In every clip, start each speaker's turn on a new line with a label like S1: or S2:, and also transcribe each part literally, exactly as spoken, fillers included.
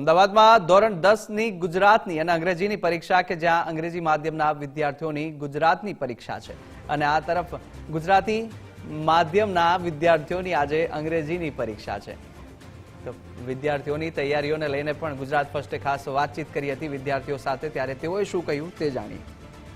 S1: અમદાવાદમાં ધોરણ દસ ની ગુજરાતની અને અંગ્રેજીની પરીક્ષા કે જ્યાં અંગ્રેજી માધ્યમના વિદ્યાર્થીઓની ગુજરાતની પરીક્ષા છે અને આ તરફ ગુજરાતી માધ્યમના વિદ્યાર્થીઓની આજે અંગ્રેજીની પરીક્ષા છે. તો વિદ્યાર્થીઓની તૈયારીઓને લઈને પણ ગુજરાત ફર્સ્ટે ખાસ વાતચીત કરી હતી વિદ્યાર્થીઓ સાથે, ત્યારે તેઓએ શું કહ્યું તે જાણીએ.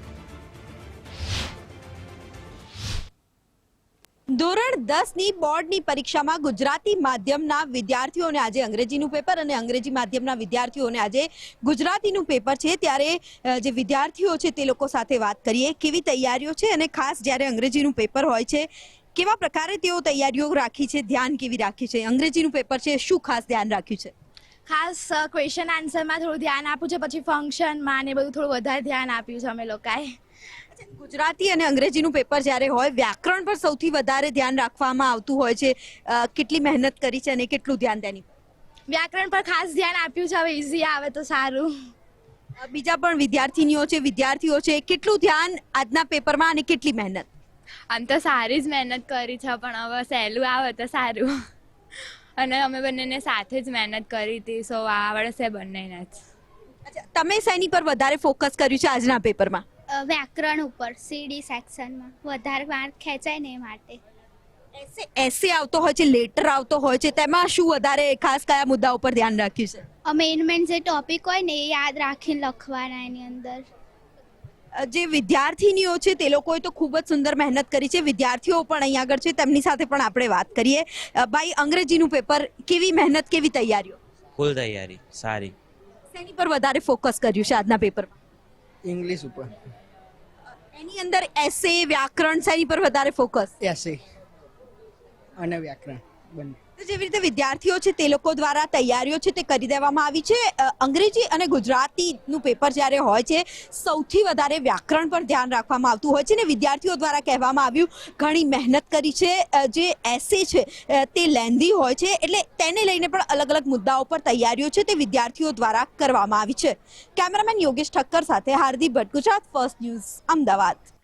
S2: ધોરણ દસ ની બોર્ડની પરીક્ષામાં ગુજરાતી માધ્યમના વિદ્યાર્થીઓને આજે અંગ્રેજીનું પેપર અને અંગ્રેજી માધ્યમના વિદ્યાર્થીઓને આજે ગુજરાતીનું પેપર છે. ત્યારે જે વિદ્યાર્થીઓ છે તે લોકો સાથે વાત કરીએ, કેવી તૈયારીઓ છે અને ખાસ જ્યારે અંગ્રેજીનું પેપર હોય છે કેવા પ્રકારે તેઓ તૈયારીઓ રાખી છે, ધ્યાન કેવી રાખી છે. અંગ્રેજીનું પેપર છે, શું ખાસ ધ્યાન રાખ્યું છે?
S3: ખાસ ક્વેશ્ચન આન્સરમાં થોડું ધ્યાન આપ્યું છે, પછી ફંક્શનમાં ને બધું થોડું વધારે ધ્યાન આપ્યું છે અમે લોકોએ.
S2: ગુજરાતી અને અંગ્રેજીનું પેપર જ્યારે હોય, વ્યાકરણ પર સૌથી વધારે ધ્યાન રાખવામાં આવતું હોય છે. કેટલી મહેનત કરી છે અને કેટલું ધ્યાન તેની?
S3: વ્યાકરણ પર ખાસ ધ્યાન આપ્યું છે, હવે ઇઝી આવે તો સારું.
S2: બીજા પણ વિદ્યાર્થીનીઓ છે, વિદ્યાર્થીઓ છે, કેટલું ધ્યાન આજના પેપરમાં અને કેટલી મહેનત?
S3: આમ તો સારી જ મહેનત કરી છે, પણ હવે સહેલું આવે તો સારું. અને અમે બંનેને સાથે જ મહેનત કરી હતી, સો આવડશે બંનેને જ.
S2: તમે શેની પર વધારે ફોકસ કર્યું છે આજના પેપરમાં?
S4: વ્યાકરણ ઉપર, સીડી સેક્શનમાં વધારે માર્ક ખેંચાય ને એ માટે.
S2: એસે આવતો હોય છે, લેટર આવતો હોય છે, તેમાં શું વધારે ખાસ કયા મુદ્દા ઉપર ધ્યાન રાખ્યું છે?
S4: મેઇન મેઇન જે ટોપિક હોય ને એ યાદ રાખીને લખવાના એની અંદર.
S2: જે વિદ્યાર્થીનીઓ છે તે લોકોએ તો ખૂબ જ સુંદર મહેનત કરી છે. વિદ્યાર્થીઓ પણ અહીંયા આગળ છે, તેમની સાથે પણ આપણે વાત કરીએ. ભાઈ, અંગ્રેજીનું પેપર, કેવી મહેનત, કેવી તૈયારીઓ?
S5: ફૂલ તૈયારી સારી.
S2: શેની પર વધારે ફોકસ કર્યું છે આજના પેપરમાં?
S6: ઇંગ્લિશ ઉપર.
S2: એની અંદર એસે, વ્યાકરણ, શેની પર વધારે ફોકસ?
S6: એસે અને વ્યાકરણ બંને.
S2: જેવી રીતે વિદ્યાર્થીઓ છે તે લોકો દ્વારા તૈયારીઓ છે તે કરી દેવામાં આવી છે. અંગ્રેજી અને ગુજરાતીનું પેપર જ્યારે હોય છે, સૌથી વધારે વ્યાકરણ પર ધ્યાન રાખવામાં આવતું હોય છે ને વિદ્યાર્થીઓ દ્વારા કહેવામાં આવ્યું ઘણી મહેનત કરી છે. જે એસે છે તે લેન્ધી હોય છે, એટલે તેને લઈને પણ અલગ અલગ મુદ્દાઓ પર તૈયારીઓ છે તે વિદ્યાર્થીઓ દ્વારા કરવામાં આવી છે. કેમેરામેન યોગેશ ઠક્કર સાથે હાર્દિક ભટ્ટ, ગુજરાત ફર્સ્ટ ન્યૂઝ, અમદાવાદ.